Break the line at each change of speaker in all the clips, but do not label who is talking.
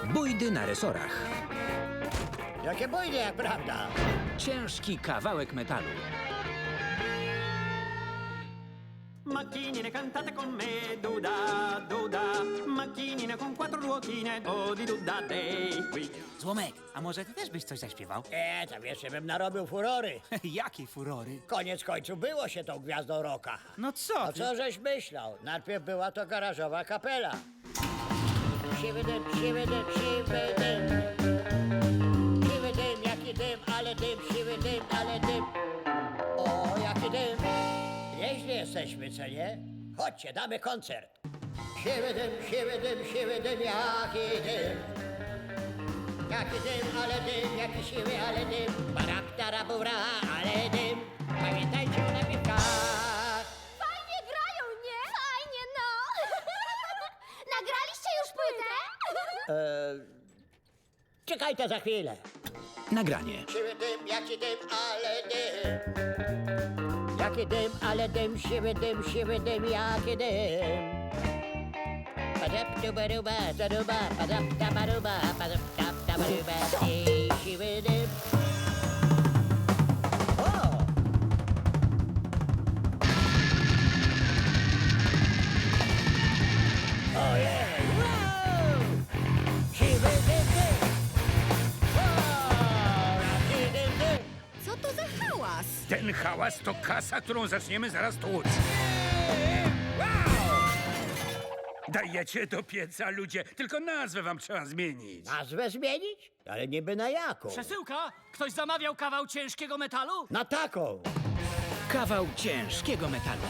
Bójdy na resorach.
Jakie bójdy, jak prawda?
Ciężki kawałek metalu.
Macchinine cantate con me, duda, duda. Macchinine con quattro ruotine, o di duda dei. Qui.
Złomek, a może ty też byś coś zaśpiewał?
Tam jeszcze bym narobił furory.
Jakie furory?
Koniec końców było się tą gwiazdą rocka.
No co
A
ty?
co żeś myślał? Najpierw była to garażowa kapela. Siwy dym, siwy dym, siwy dym. Siwy dym, jaki dym, ale dym, siwy dym, ale dym. O, jaki dym. Nieźli jesteśmy, co nie? Chodźcie, damy koncert. Siwy dym, siwy dym, siwy dym, jaki dym. Jaki dym, ale dym, jaki siwy, ale dym. Baraptarabura, ale dym. Pamiętajcie o napiwkach.
Fajnie grają, nie? Fajnie, no! Nagraliście już płytę?
Czekajcie za chwilę.
Nagranie.
Siwy dym, jaki dym, ale dym. Jaki dym, ale dym, siwy dym, jaki dym. Padaptubaruba, zaruba, padaptabaruba, padaptabaruba, siwy dym. O! Ojej! Wow! Siwy dym, dym. O! Jaki dym, dym.
Co to za hałas?
Ten hałas to kasa, którą zaczniemy zaraz tłuc. Dajecie do pieca, ludzie. Tylko nazwę wam trzeba zmienić.
Nazwę zmienić? Ale niby na jaką?
Przesyłka? Ktoś zamawiał kawał ciężkiego metalu?
Na taką.
Kawał ciężkiego metalu.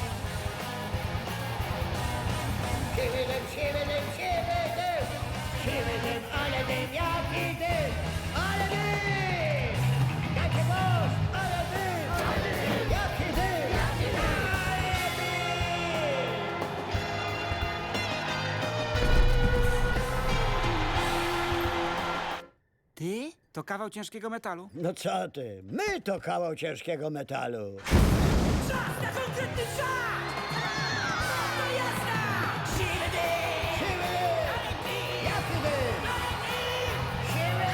Siwy dym, siwy dym, siwy dym. Siwy dym, ale dym, jaki dym. Ale dym. Jaki głos, ale dym. Jaki dym. Ale dym.
Ty? To kawał ciężkiego metalu?
No co ty? My to kawał ciężkiego metalu. Siwy dym. Jaki dym. Siwy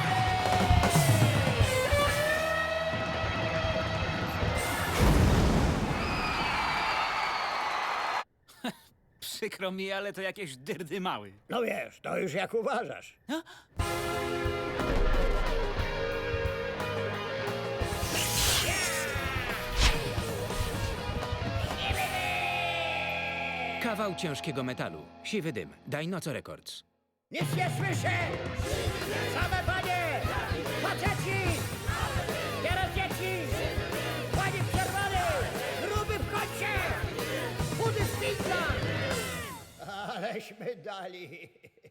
Przykro mi, ale to jakieś dyrdy mały.
No wiesz, to już jak uważasz.
Kawał ciężkiego metalu. Siwy dym. Dajnoco Records.
Nic nie słyszę! Same panie! Faceci! Teraz dzieci! Panie w czerwonym! Gruby w kącie! Chudy w pizzach! Aleśmy dali!